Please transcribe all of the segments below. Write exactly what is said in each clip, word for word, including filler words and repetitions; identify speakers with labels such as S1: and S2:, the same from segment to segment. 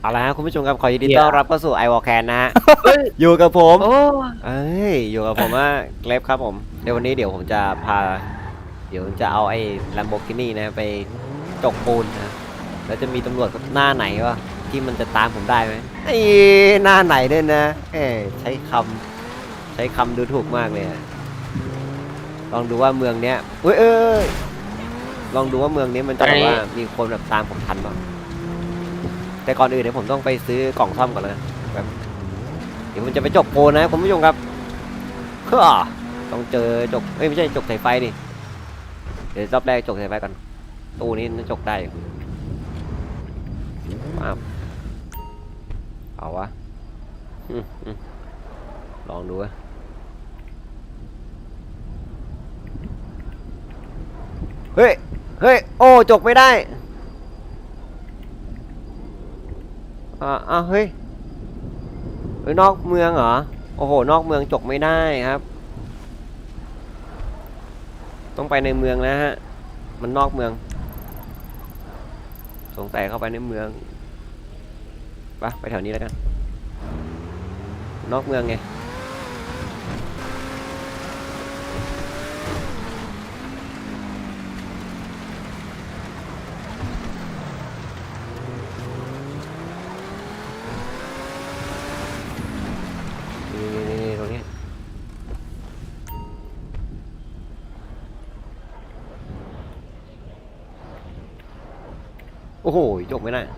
S1: เอาละครับคุณผู้ชมครับขอยินดีต้อนรับเข้าสู่ไอวอลแคนนะฮะ
S2: เฮ้ย
S1: อยู่กับผม
S2: โอ้
S1: เอ้ยอยู่กับผมว่าเกรฟครับผมเดี๋ยววันนี้เดี๋ยวผมจะพาเดี๋ยวจะเอาไอ้ Lamborghini นะไปจกปูนนะแล้วจะมีตำรวจหน้าไหนวะที่มันจะตามผมได้ไหมไอ้หน้าไหนด้วยนะเอ้ใช้คำใช้คำดูถูกมากเลยอะลองดูว่าเมืองเนี้ยเอ้ยเอ้ยลองดูว่าเมืองนี้มันจะแบบว่ามีคนแบบตามผมทันป่ะแต่ก่อนอื่นเดี๋ยวผมต้องไปซื้อกล่องซ่อมก่อนเลยแบบเดี๋ยวมันจะไปจกโปนนะคุณผู้ชมครับเฮ้อต้องเจอจกเอ้ยไม่ใช่จกสายไฟดิเดี๋ยวรอบแรกจกสายไฟก่อนตู้นี้น่าจกได้ป้าบเอาวะอืมอืมลองดูวะเฮ้ยเฮ้ยโอ้จกไม่ได้อ่าอ่ะเฮ้ยเฮ้ยนอกเมืองเหรอโอ้โหนอกเมืองจกไม่ได้ครับต้องไปในเมืองนะฮะมันนอกเมืองสงสัยเข้าไปในเมืองไปไปแถวนี้แล้วกันนอกเมืองไงนี่นี่นี่ตรงนี้โอ้โหจกไม่ได้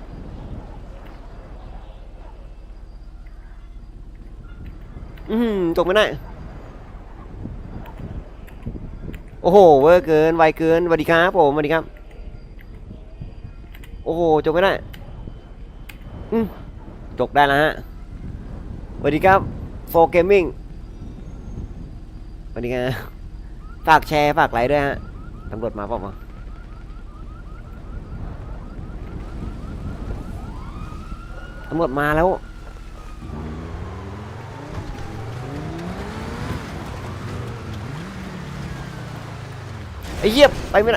S1: อืมจกไม่ได้โอ้โหเวอร์เกินไวเกินสวัสดีครับผมสวัสดีครับโอ้โหจกไม่ได้อืมจกได้แล้วฮะสวัสดีครับโฟร์เกมมิ่งสวัสดีครับฝากแชร์ฝากไลค์ด้วยฮะตำรวจมาเปล่าวะตำรวจมาแล้วไอ้เหี้ยไปไม่ได้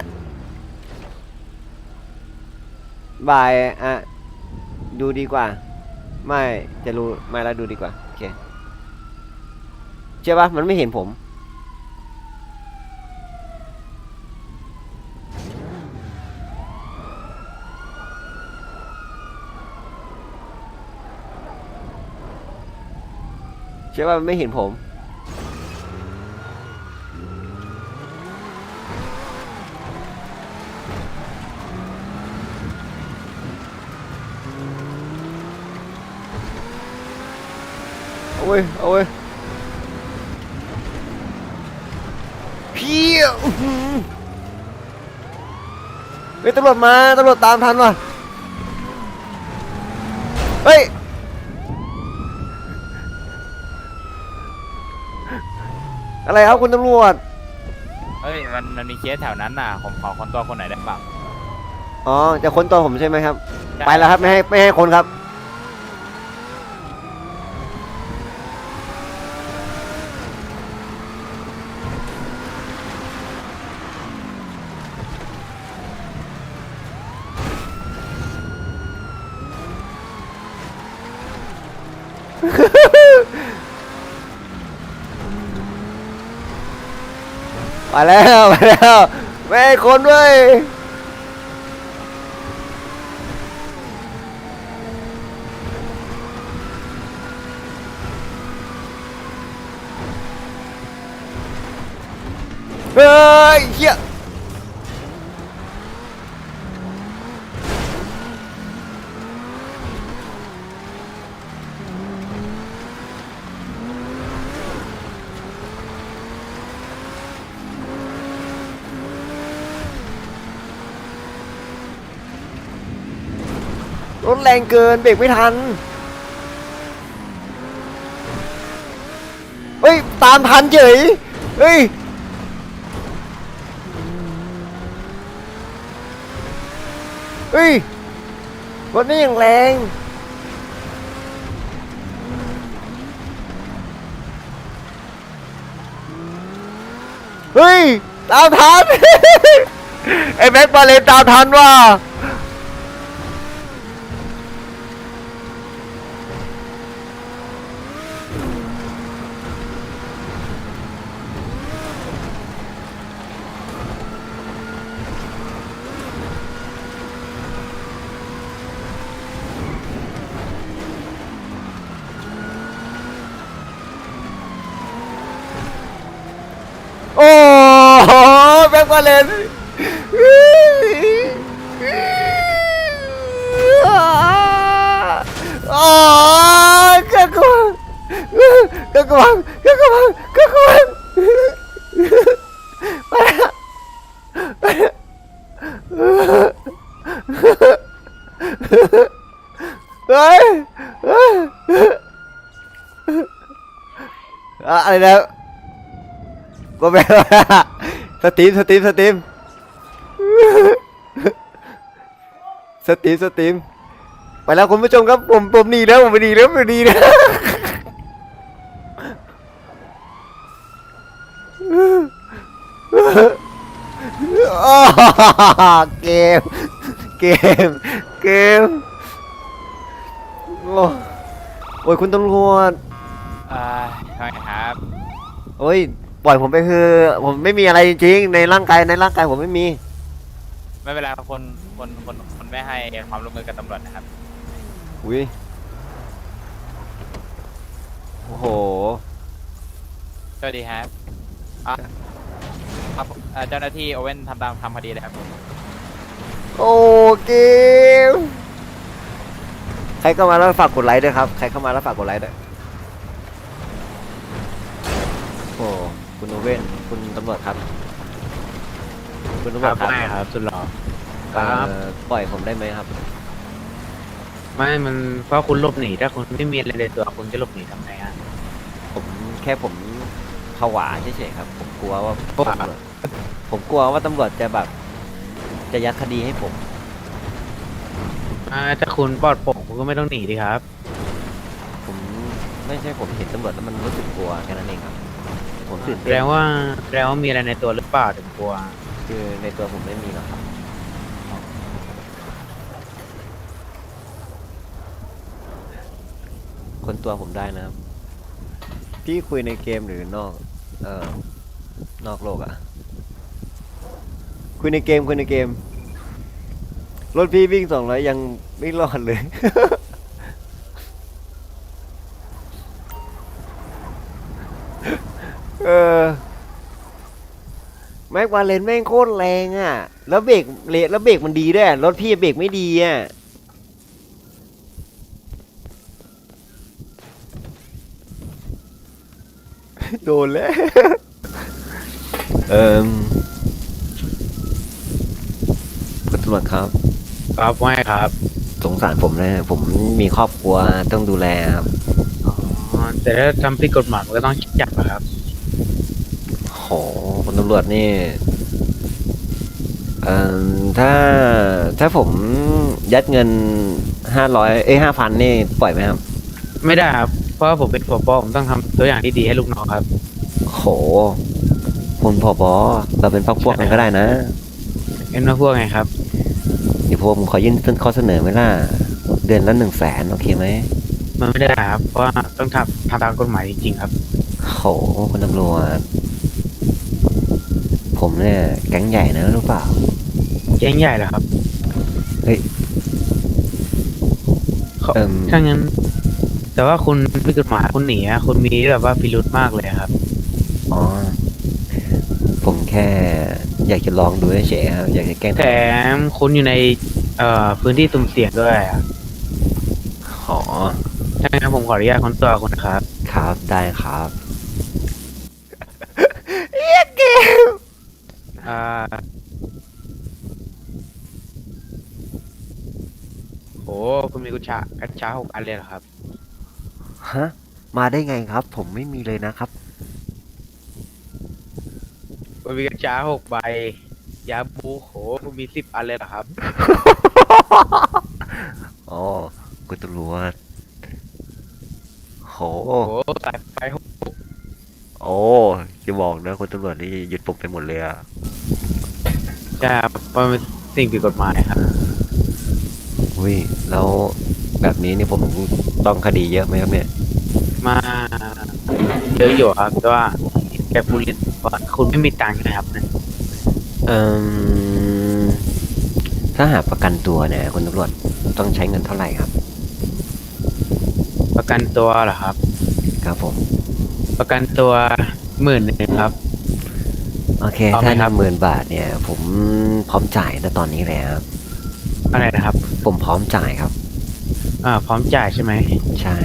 S1: บายอ่ะดูดีกว่าไม่จะรู้ไม่แล้วดูดีกว่าโอเคเชื่อปะมันไม่เห็นผมเชื่อว่ามันไม่เห็นผมโอ้ยโอ้ยพี่อื้อหือเฮ้ยตำรวจมาตำรวจตามทันว่ะเฮ้ยอะไรครับคุณตำรวจ
S2: เฮ้ยมันมันมีเคสแถวนั้นน่ะผมขอคนตัวคนไหนได้บ้าง
S1: อ๋อจะค้นตัวผมใช่ไหมครับ
S2: ใช่
S1: ไปแล้วครับไม่ให้ไม่ให้คนครับไปแล้วไปแล้วไม่ให้คนด้วยเฮ้ยเฮียรถแรงเกินเบรกไม่ทันเฮ้ยตามทันเฉยเฮ้ยเฮ้ยรถนี่อย่างแรงเฮ้ยตามทัน ไอ้แม็กมาเลนตามทันว่ะว่าเลนอ๋อก็กวางก็กวางก็กวางก็กวางไปแล้วไปแล้วเฮ้ยเฮ้ยอะไรนะก็แบบสตรีมสตรีมสตรีมสตรีมสตรีมไปแล้วคุณผู้ชมครับผมผมหนีแล้วผมไปหนีแล้วไปหนีแล้วเกมเกมเกมโอ้โอ้ยคุณตำรวจ
S2: อ่าทำไมครับ
S1: โอ้ยปล่อยผมไปคือผมไม่มีอะไรจริงๆในร่างกายในร่างกายผมไม่มี
S2: ไม่เป็นไรครับคนคนคนคนไม่ให้ความร่วมมือกับตำรวจนะครับ
S1: อุ้ยโอ้โห
S2: สวัสดีครับอ่ะครับอ่าเจ้าหน้าที่โอเว่นทำตามทำคดีเลยครับ
S1: โอ้เกมใครเข้ามาแล้วฝากกดไลค์ด้วยครับใครเข้ามาแล้วฝากกดไลค์ด้วยโอ้คุณโอเว่นคุณตำรวจครับคุณตำรวจครับ
S3: ไม่ครับสุดหล่อ
S1: เอ่อปล่อยผมได้ไหมครับ
S3: ไม่มันเพราะคุณหลบหนีถ้าคุณไม่มีอะไรในตัวคุณจะหลบหนีทำไงฮะ
S1: ผมแค่ผมผวาเฉยๆครับผมกลัวว่า
S3: ผวา
S1: ตำรวจผมกลัวว่าตำรวจจะแบบจะยัดคดีให้ผม
S3: อ่าถ้าคุณปลอดโปร่งคุณก็ไม่ต้องหนีดิครับ
S1: ผมไม่ใช่ผมเห็นตำรวจแล้วมันรู้สึกกลัวแค่นั้นเองครับผมตื่น
S3: แส
S1: เต้
S3: ด
S1: น
S3: งว่าแสดงว่ามีอะไรในตัวหรือเปล่าถึงกลัว
S1: คือในตัวผมไม่มีหรอกครับคนตัวผมได้นะครับพี่คุยในเกมหรือนอกเอ่อนอกโลกอะคุยในเกมคุยในเกมรถพี่วิ่งสองร้อยยังไม่รอดเลย เออแม็กวาเลนแม่งโคตรแรงอ่ะ แล้วเบรกเละแล้วเบรกมันดีด้วยรถพี่เบรกไม่ดีอ่ะ โดนแล้ว เอ่มคุณตำรวจครับ
S3: ครับไม่ครับ
S1: สงสารผมนะผมมีครอบครัวต้องดูแลครับ
S3: อ๋อแต่ถ้าทำผิดกฎหมายมันก็ต้องจับนะครับ
S1: โหคุณตำรวจนี่เอ่อถ้าถ้าผมยัดเงินห้าร้อยเอ้ยห้าพันนี่ปล่อยไหมครับ
S3: ไม่ได้ครับเพราะว่าผมเป็นผบผมต้องทำตัวอย่างที่ดีให้ลูกน้องครับ
S1: โหคุณผบเราเป็นพักพวกกันก็ได้นะ
S3: เอ็นมาพวกไงครับ
S1: เดี๋ยวผมขอยื่นข้อเสนอไหมล่ะเดือนละหนึ่งแสนโอเคไหม
S3: มันไม่ได้ครับเพราะว่าต้องทำทำตามกฎหมายจริงๆครับ
S1: โหคุณตำรวจผมเนี่ยแก๊งใหญ่นะรู้เปล่า
S3: แจ้งใหญ่เหรอครับ
S1: เฮ้ย
S3: เขา
S1: เอิ่ม
S3: ถ้างั้น แต่ว่าคุณผิดกฎหมายคุณหนีอะคุณมีแบบว่าพิรุธมากเลยครับ
S1: อ๋อผมแค่อยากจะลองดูเฉยๆครับอยากจะแกล้ง
S3: แถมคุณอยู่ในเอ่อพื้นที่สุ่มเสี่ยงด้วยอะ
S1: ขอ
S3: ถ้างั้นผมขออนุญาตค้นตัวคุณนะครับ
S1: ครับได้ครับเอียเกม
S3: อ่าโหคุณมีกุญชากัญชาหกอันเลยเหรอครับ
S1: ฮะมาได้ไงครับ ผมไม่มีเลยนะครับ
S3: คุณมีกัญชาหกใบ ยาบูโหคุณมีสิบอันเลยเหรอครับ
S1: อ๋อคุณตำรวจโห
S3: โอ้โหสายไฟหก
S1: โอ้จะบอกนะคุณตำรวจนี่ยึดผมไปหมดเลยอะ
S3: จะมันเป็นสิ่งผิดกฎหมายครับ
S1: อุ้ยแล้วแบบนี้นี่ผมต้องคดีเยอะไหมครับเนี่ย
S3: มาเยอะอยู่ครับแต่ว่าแกพูดเล่นว่าคุณไม่มีตังค์นะครับเนี่ย
S1: เอ่มถ้าหากประกันตัวเนี่ยคุณตำรวจต้องใช้เงินเท่าไหร่ครับ
S3: ประกันตัวเหรอครับ
S1: ครับผม
S3: ประกันตัวหมื่นหนึ่งครับ
S1: โอเค
S3: เอาไหม
S1: ถ้าห
S3: ครั
S1: นึ่
S3: บ
S1: งหมื่นบาทเนี่ยผมพร้อมจ่ายนะตอนนี้เลยครับ
S3: อะไรนะครับ
S1: ผมพร้อมจ่ายครับ
S3: อ่า พร้อมจ่ายใช่ไหม
S1: ใช่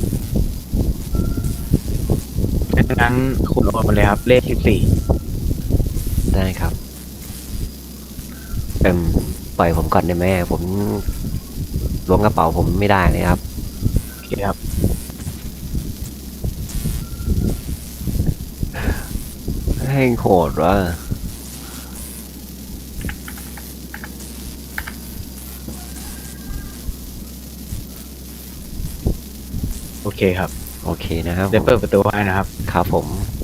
S3: งั้นคุณโอนมาเลยครับ เลขสิบสี่
S1: ได้ครับเอ็มปล่อยผมก่อนได้ไหมผมล้วงกระเป๋าผมไม่ได้เลยครับ
S3: โอเคครับ
S1: ให้โหดว่ะ
S3: โอเคครับ
S1: โอเคนะครับ
S3: เดี๋ยวเปิดประตูให้นะครับ
S1: ครับผม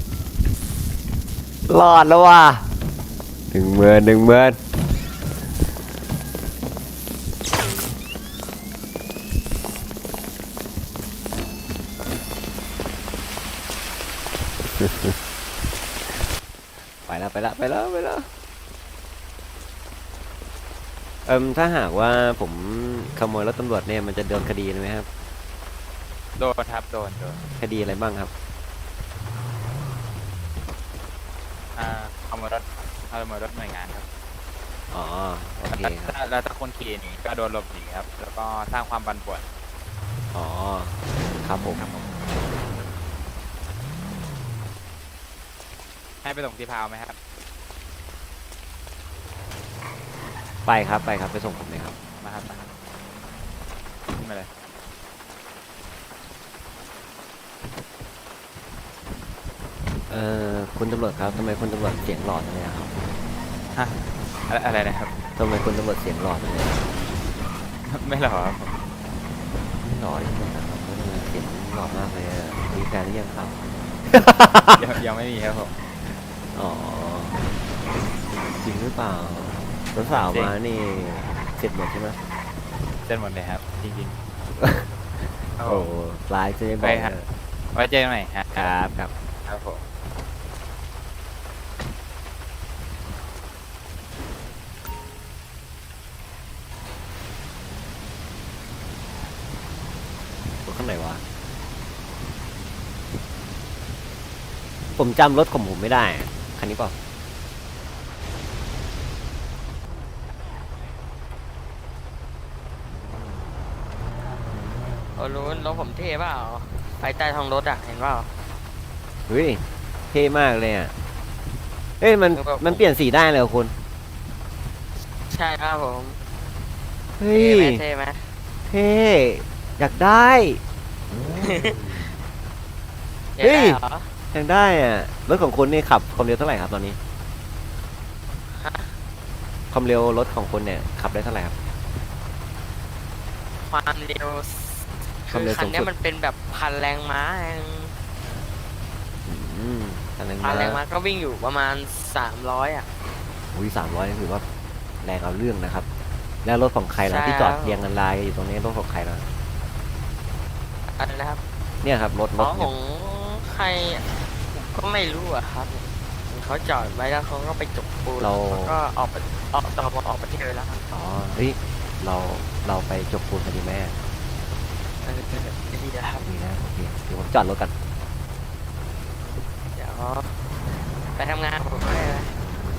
S1: รอดแล้วว่ะหนึ่งเมือนหนึ่งเมือนไปแล้วไปแล้วไปแล้วไปแล้วเอิมถ้าหากว่าผมขโมยรถตำรวจเนี่ยมันจะโดนคดีไหมครับ
S2: โดนครับโดนโดน
S1: คดีอะไรบ้างครับ
S2: อ่าขโมยรถขโมยรถหน่วยงานครับ
S1: อ๋อ โอเคครับ
S2: แล้วแล้วถ้าคนขี่หนีก็โดนหลบหนีครับ แล้วก็สร้างความบันป่วน
S1: อ๋อ ครับผม
S2: ให้ไปส่งที่พาวไหมครับ
S1: ไปครับไปครับไปส่งผมเลยครับ
S2: มาครับมาครับขึ้นมาเลย
S1: เอ่อคุณตำรวจครับทำไมคุณตำรวจเสียงหลอดจังเลยอะครับ
S2: ฮะอะไรอะไรนะครับ
S1: ทำไมคุณตำรวจเสียงหลอดจังเลยอะ
S2: ไม่หรอครับ
S1: ไม่หลอดจริงๆนะครับทำไมเสียงหลอดมากเลยอะมีแฟนหรือยังครับ
S2: ยังยังไม่มีครับผม
S1: อ๋อ จริงหรือเปล่าสาว
S2: จริ
S1: ๆ
S2: ง
S1: มานี่เสร็จหมดใช่ไหม
S2: เส้นหมดเลยครับ จริงๆครับผ
S1: โอ้
S2: ม
S1: ไลน์จะไม่บ
S2: ไป
S1: อก
S2: ฮะ
S1: นะ
S2: ไว้เจอกันใหม่ฮะ
S1: ครับครับ
S2: ครับผม
S1: รถข้างไหนวะ ผมจำรถของผมไม่ได้อะคันนี้เปล่า
S4: โอ้รู้รถผมเท่เปล่าไฟใต้ท้องรถอ่ะ เห็นเปล่า
S1: เฮ้ย เท่มากเลยอ่ะ เอ้ยมัน
S4: แล้วก็
S1: มันเปลี่ยนสีได้เลยเหรอคุณ
S4: ใช่ครับผม
S1: เฮ้
S4: เท่
S1: ย
S4: ไหมเท่ไหม
S1: เท่อยากได้
S4: เห็นได้เหรอ
S1: อยากได้อ่ะ รถของคุณนี่ขับความเร็วเท่าไหร่ครับตอนนี้
S4: ฮะ
S1: ความเร็วรถของคุณเนี่ยขับได้เท่าไหร่ครับ
S4: ความเร็ว
S1: ความ
S4: คือ
S1: เร็ว
S4: คันเนี้
S1: สู
S4: ย
S1: งสุด
S4: มันเป็นแบบพันแรงม้าเอง
S1: อืมคันนั้น
S4: พันแรงม้า
S1: นะ
S4: ก็วิ่งอยู่ประมาณสามร้อยอ่ะ
S1: อุ้ยสามร้อยนี่ถือว่าแรงเอาเรื่องนะครับ แล้วรถของใครล่ะ
S4: ใช่
S1: ที่จอด
S4: ครับ
S1: เรียงกันรายอยู่ตรงนี้รถของใครล่ะ
S4: อะไรนะครับ
S1: เนี่ยครับรถร
S4: อ๋อ
S1: ถ
S4: ข
S1: เนี่ย
S4: องใครก็ไม่รู้อะครับเขาจอดไว้แล้วเขาก็ไปจกปูน
S1: เรา
S4: แล้วก็ออกไปออกต่อมาออกประเทศไปแล้วครับ
S1: อ๋อเฮ้ยเราเราไปจกปูนกันดีไหม
S4: เออดีนะครับ
S1: ดีนะโอเคเดี๋ยวผมจอดรถกัน
S4: เดี๋ยวไปทำงานผมไม่ได้เลย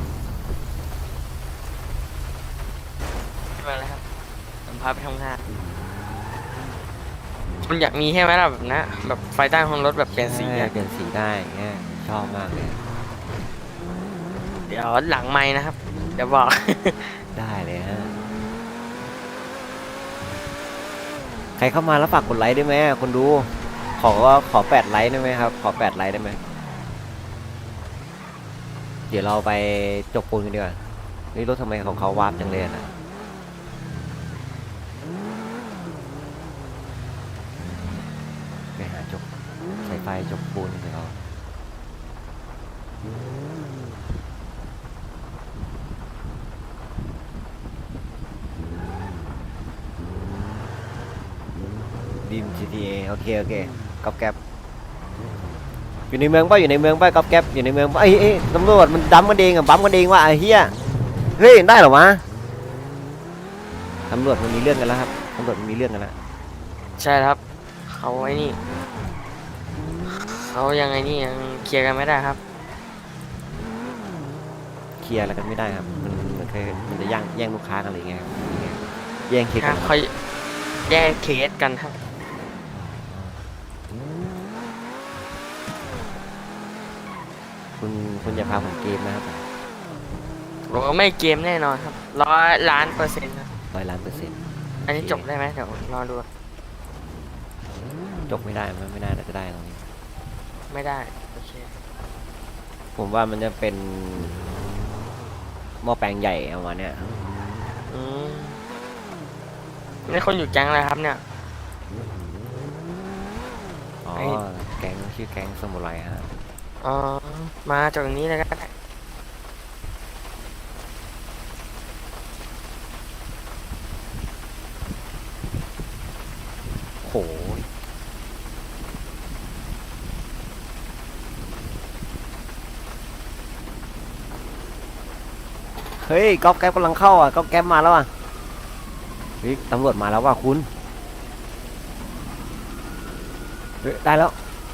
S4: ไม่เป็นไรครับผมพาไปทำงาน คุณอยากมีใช่ไหมล่ะแบบนั้นแบบไฟใต้ท้องรถแบบเปลี่ยนสี
S1: ใช่
S4: อะ
S1: เปลี่ยนสีได้เงี้ยชอบมากเลย
S4: เดี๋ยวหลังไม้นะครับ เดี๋ยวบอก
S1: ได้เลยฮะใครเข้ามาแล้วฝากกดไลค์ได้ไหมคนดู ขอว่าขอแปดไลค์ได้ไหมครับ ขอแปดไลค์ได้ไหมเดี๋ยวเราไปจกปูนกันดีกว่านี่รถทำไมของเขาวาร์ปจังเลยนะไปหาจกสายไฟจกปูนกันเขาดิม จี ที เอ โอเค โอเคก๊อบแก๊บอยู่ในเมืองป่ะอยู่ในเมืองป่ะก๊อบแก๊บอยู่ในเมืองป่ะเอ้ยเอ้ยตำรวจมันดัมกันเองอะบัมกันเองว่ะไอ้เหี้ยเฮ้ยได้เหรอวะตำรวจมันมีเรื่องกันแล้วครับตำรวจมันมีเรื่องกันแล้ว
S4: ใช่ครับ เขาไอ้นี่ เขายังไงนี่ยังเคลียร์กันไม่ได้ครับ
S1: ลียร์อะไรกันไม่ได้ครับมันมันเคยมันจะแย่งแย่งลูกค้ากันอะไรอย่างเงี้ยครับแย่งเคส
S4: ค
S1: กั
S4: รั
S1: น
S4: บเขาแยกเคสกันครับ
S1: คุณคุณอย่าพาผมเกมนะครับ
S4: ผมก็ไม่เกมแน่นอนครับร้อยล้านเปอร์เซ็นต์ครับ
S1: ร้อยล้านเปอร์เซ็นต์
S4: อันนี้จบได้ไหมเดี๋ยวรอดู
S1: จบไม่ได้มันไม่น่าจะได้ตรงนี้
S4: ไม่ได้โอเค
S1: ผมว่ามันจะเป็นหม้อแปลงใหญ่ประมาณเนี้ย
S4: อืมนี่คนอยู่แก๊งอะไรครับเนี่ย
S1: อ๋อ
S4: ไอ้
S1: แก๊งชื่อแก๊งสมุไรฮะ
S4: อ๋อมาจากตรงนี้เลยก็ได้
S1: โหยเฮ้ยก๊อฟแก๊ปกำลังเข้าอ่ะก๊อฟแก๊ปมาแล้วอ่ะเฮ้ยตำรวจมาแล้วว่ะคุณเฮ้ยได้แล้ว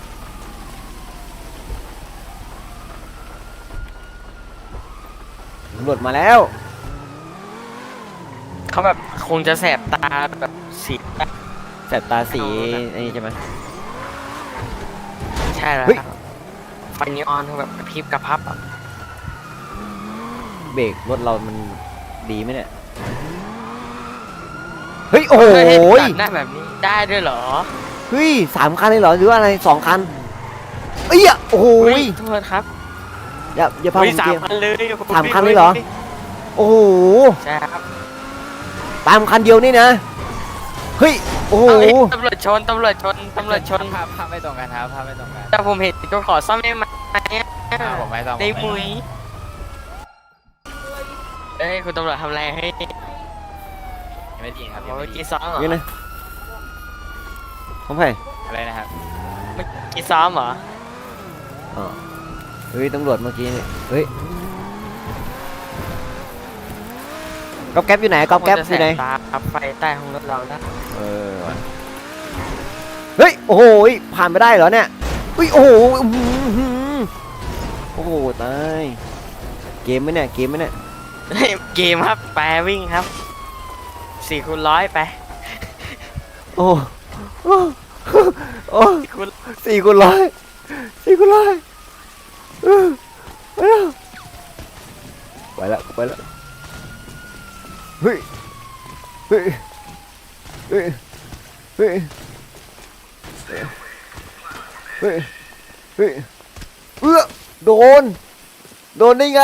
S1: ตำรวจมาแล้ว
S4: เขาแบบคงจะแสบตาแบบสี
S1: แสบตาสีไอ้นี่ใช่ไหม
S4: ใช่แล้ว
S1: เฮ้ย
S4: ครับไฟนีออนเขาแบบกระพริบกระพับอ่ะ
S1: เบรกรถเรามันดีไหมเนี่ยเฮ้ยโอ้โห
S4: เฮ้ย
S1: ย
S4: ตัดหน้าแบบนี้ได้ด้วยเหรอ
S1: เฮ้ยสามคันเลยเหรอหรือว่าอะไรสองคันเอ้ยโอ้โห
S4: เฮ้
S1: ย
S4: ยโทษครับ
S1: อย่าอย่าพาผ
S4: เฮ้ย
S1: ม
S4: สา
S1: เก
S4: ม
S1: ม
S4: คันเลย
S1: สามคันเลยเหรอ โอ้โห
S4: ใช่ครับ
S1: ตามคันเดียวนี่นะเฮ้ยโอ้โห
S4: เอาเฮ้ยตำรวจชนตำรวจชนตำรวจชน
S2: ภาพภาพไม่ตรงกันครับภาพไม่ตรงกัน
S4: แต่ผมเห็นก็ขอซ่อมได้ไหม
S2: ภาพผมไม่ต้อง
S4: ได้
S2: ผ
S4: มุยเอ้ยคุณตำรวจทำอะไรให้
S2: ยังไม่ดีครับยัง
S4: เมื่
S2: ไม่
S4: อ
S2: ดี
S4: กี้ซ้อมเหรอ
S1: นี่นะของใคร
S2: อะไรนะครับ
S4: เมื่อกี้ซ้อมเหรอ
S1: อ๋อเฮ้ยตำรวจเมื่อกี้นี่เฮ้ยก๊อปแก๊ปอยู่ไหนก๊อปแก๊ปอยู่ไหน
S4: ตาขับไฟใต้ห้องรถเรานะ
S1: เออว่ะเฮ้ยโอ้โหยผ่านไปได้เหรอเนี่ยเฮ้ยโอ้โหอื้อหือโอ้โหตายเกมไหมเนี่ยเกมไหมเนี่ย
S4: เฮ้ยเกมครับแปรวิ่งครับสี่คูณร้อยไป
S1: โอ้โอ้โอ้
S4: คูณ
S1: สี่คูณร้อยสี่คูณร้อยเออไปแล้วไปแล้วไปแล้วเฮ้ยเฮ้ยเฮ้ยเฮ้ยเฮ้ยเฮ้ยเอื้อโดนโดนได้ไง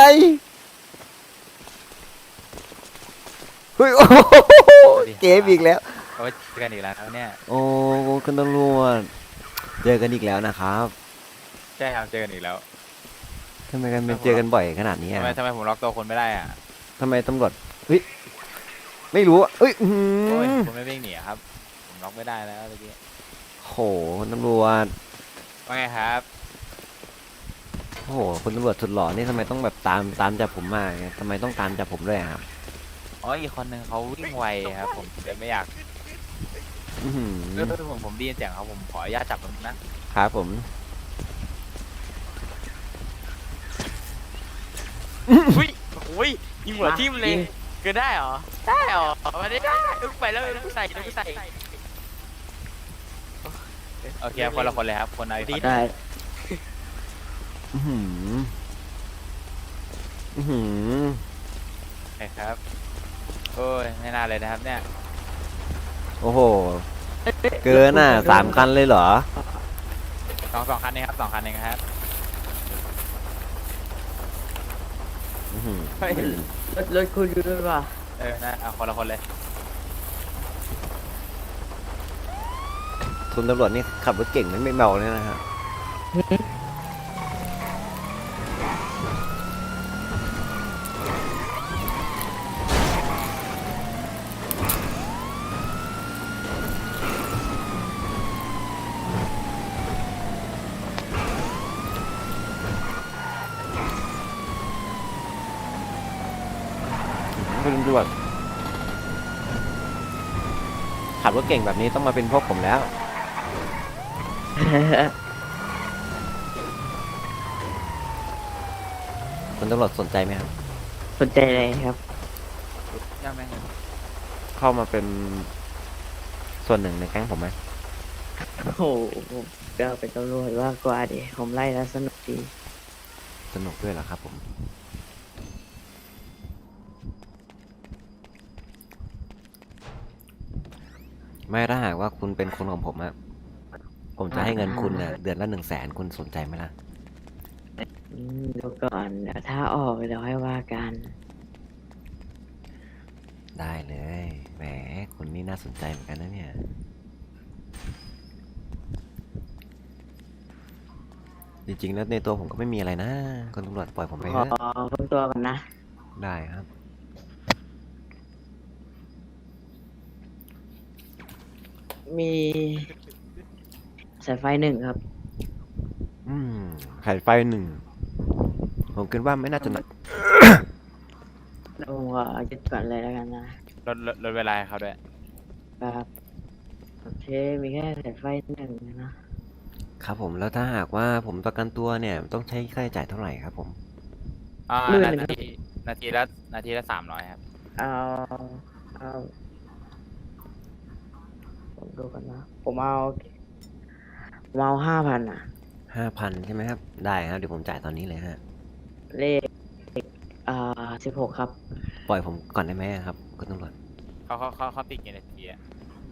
S1: เฮ้ยโอ้โหเกมอีกแล้ว
S2: โอ้ยเจอกันอีกแล้วครับเนี่ย
S1: โอ้คุณตำรวจเจอกันอีกแล้วนะครับ
S2: ใช่ครับเจอกันอีกแล้ว
S1: ทำไมกันเป็นเจอกันบ่อยขนาดนี้
S2: ทำ
S1: อะ
S2: ไมทำไมผมล็อกตัวคนไม่ได้อ่ะ
S1: ทำไมตำรวจเฮ้ยไม่รู้อะเอ้ยอื้อหื
S2: โอ้ย
S1: อ
S2: ผมไม่วิ่งหนีอะครับผมล็อกไม่ได้แล้วเมื่อกี้
S1: โหคุณตำรวจ
S2: ว่าไงครับ
S1: โอ้โหคุณตำรวจสุดหล่อนี่ทำไมต้องแบบตามตามจับผมมาไงทำไมต้องตามจับผมด้วยอะครับ
S2: อ๋ออีกคนหนึ่งเขาวิ่งไวครับผมเลยไม่อยาก
S1: อื้อหื
S2: เอ
S1: อ
S2: อผมผมไดีเสียงเขาผมขออนุญาตจับมันนะครับ
S1: ผม
S4: อุ้ยอุ้ยยิงหัวทิ่มเลยเกินได้เหรอได้เหรอมาได้ได้อึ้งไปแล้วอึ้งใส่อึ้งใส่
S2: โอเคครับคนละคนเลยครับคนไหน
S4: ดี
S1: ได้อื้อหืออื้อหือ
S2: ใช่ครับโอ้ยไม่น่าเลยนะครับเนี่ย
S1: โอ้โหเกินอ่ะสามคันเลยเหรอ
S2: สองสองคันนี้ครับสองคันเองครับ
S1: อื้อหือ
S2: เฮ้ย
S4: รถรถคุณอยู่ด้วยป่ะ
S2: เออนะเอาคนละคนเลย
S1: คุณตำรวจนี่ขับรถเก่งไม่ไม่เมาเลยนะฮะ คุณตำรวจขับรถเก่งแบบนี้ต้องมาเป็นพวกผมแล้ว คุณตำรวจสนใจไหมครับ
S5: สนใจอะไรครับ
S2: ยังไง
S1: เข้ามาเป็นส่วนหนึ่งในแก๊งผมไหม
S5: โอ้โหผมก็เป็นตำรวจว่ากว่าดิผมไล่แล้วสนุกดี
S1: สนุกด้วยเหรอครับผม ไม่ถ้าหากว่าคุณเป็นคนของผมอะผมจะให้เงินคุณน่ะเดือนละหนึ่งแสนคุณสนใจไหมล่ะ
S5: อืมเดี๋ยวก่อนเดี๋ยวถ้าออกเดี๋ยวให้ว่ากัน
S1: ได้เลยแหมคุณนี่น่าสนใจเหมือนกันนะเนี่ย จริงๆแล้วในตัวผมก็ไม่มีอะไรนะคุณตำรวจปล่อยผมไป
S5: ข
S1: เถ
S5: อ
S1: อะ
S5: เพิ่มตัวก่อนนะ
S1: ได้ครับ
S5: มีสายไฟหนึ่งครับ
S1: อืมไข่ไฟหนึ่งผมคิดว่าไม่น่าจะหนัก
S5: แล้วผมขอยึดก่อนเลยแล้วกันนะ
S2: ลดลดลดเวลาให้เขาด้วย
S5: ครับโอเคมีแค่สายไฟหนึ่งนะ
S1: ครับผมแล้วถ้าหากว่าผมประกันตัวเนี่ยต้องใช้ค่าใช้จ่ายเท่าไหร่ครับผม
S2: อ่า
S5: หมื่น
S2: นา
S5: หนึ่งครับ
S2: ทีนาทีละนาทีละสามร้อยครับ
S5: เอาเอาผมดูกันนะ ผมเอาผมเอาห้าพันอ่ะ
S1: ห้าพันใช่ไหมครับ ได้ครับเดี๋ยวผมจ่ายตอนนี้เลยฮะ
S5: เลขอ่าสิบหกครับ
S1: ปล่อยผมก่อนได้ไหมครับคุณตำรวจ
S2: เขาเขาเขาเขาติดกี่นาทีอะ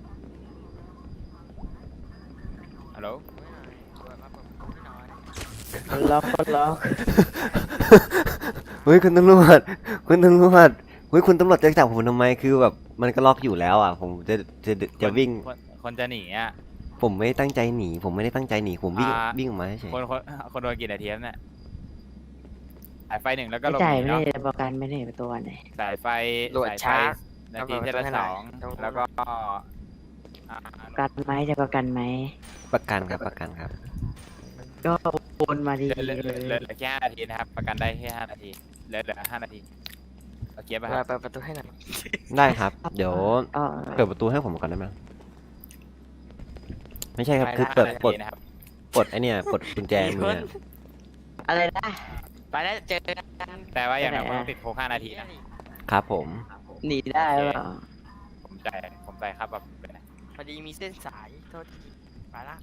S2: ฮัลโหล
S5: คนล็อกคนล็อก
S1: เฮ้ยคุณตำรวจคุณตำรวจเฮ้ยคุณตำรวจจะจับผมทำไมคือแบบมันก็ล็อกอยู่แล้วอ่ะ ผมจะจะจะวิ่ง
S2: คนคนจะหนีอ่ะ
S1: ผมไม่ได้ตั้งใจหนี ผมไม่ได้ตั้งใจหนีผมวิ่ง
S2: อ่า
S1: วิ่งออกมาเฉย
S2: คนคนคนโดนกี่นาทีครับเนี่ยสายไฟหนึ่งแล้วก็
S5: ไม่
S2: หลบ
S5: จ่า
S2: ห
S5: ย
S2: นี
S5: ไม่
S2: เนาะ
S5: ได้ประกันไม่ได้ประตัวไหน
S2: สายไฟ
S4: โหลด
S2: สายไฟ
S4: ช้า
S2: นาทีที่ละสอง
S4: ต้อง
S2: แล้วก็อ่า
S5: ประกันไหมจะประกันไหม
S1: ประกันครับประกันครับ
S5: ก็โอนมาดี
S2: เหลือเหลือ
S5: เล
S2: เหลือย เหลือแค่ห้านาทีนะครับ ประกันได้แค่ห้านาทีเหลือเหลือห้านาทีโอเคป่ะครับ
S4: เปิดประตูให้หน่อย
S1: ได้ครับ เดี๋ยว
S5: อ๋อ
S1: เปิดประตูให้ผมก่อนได้ไหมไม่ใช่ครับ คือ
S2: ห้า
S1: เปิด
S2: นา
S1: ปลด
S2: ทีนะครับ
S1: ปลดไอเนี่ยปลดกุญแจมือเนี่ย
S5: อะไรนะ
S4: ไปแล้วเจอกัน
S2: แต่ว่าอย่าง
S5: ไป
S2: น้อย
S5: ไหน
S2: ต้
S5: อะ
S2: องติดคุกห้านาทีนะครับ
S1: ผม
S5: หนีได้หรือเปล่า
S2: ผมจ่ายผมจ่ายครับแบบเป็นไง
S4: พอดีมีเส้นสายโทษทีไปละ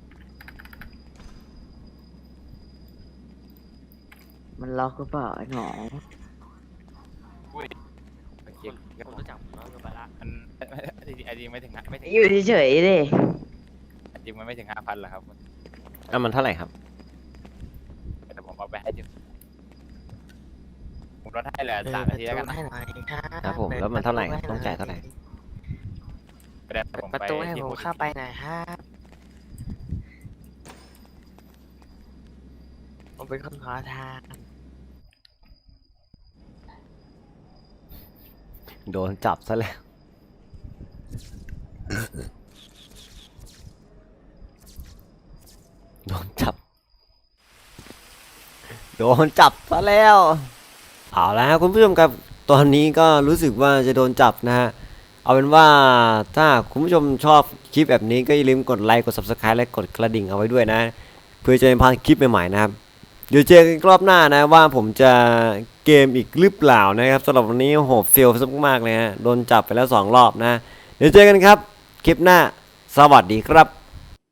S5: มันล็อกหรือเปล่าไอ้หนอ
S2: อุ้ยโอเค
S4: ผมรู้จักผมแล้วไปละ
S2: มันจริงๆจริงไม่ถึงห้าไม่ถึง
S5: อยู่เฉยๆดิ
S2: จริงมันไม่ถึงห้าพันหรอกครับ
S1: อ่ะมันเท่าไหร่ครับ
S2: แต่ผมเอาไปให้อยู่ผมลดให้เหลือสามนาทีแล้วกันนะ
S4: ให้หน่อยครับ
S1: ครับผมแล้วมันเท่าไหร่ต้องจ่ายเท่าไหร่
S2: ไปเดี๋ยวผม
S4: ประ
S2: ไป
S4: ตูให้
S2: ที่
S4: ผม
S2: คุก
S4: เข้าไปหน่อยครับผมเป็นคนขอทาน
S1: โดนจับซะแล้ว โดนจับ โดนจับซะแล้ว เอาละครับคุณผู้ชมครับ ตอนนี้ก็รู้สึกว่าจะโดนจับนะฮะ เอาเป็นว่าถ้าคุณผู้ชมชอบคลิปแบบนี้ก็อย่าลืมกดไลค์ กด ซับสไครบ์ และกดกระดิ่งเอาไว้ด้วยนะ เพื่อจะไม่พลาดคลิปใหม่ๆนะครับ เดี๋ยวเจอกันรอบหน้านะว่าผมจะเกมอีกหรือเปล่านะครับสำหรับวันนี้โหเฟลมากๆเลยฮะ โดนจับไปแล้วสองรอบนะ เดี๋ยวเจอกันครับ คลิปหน้า สวัสดีครับ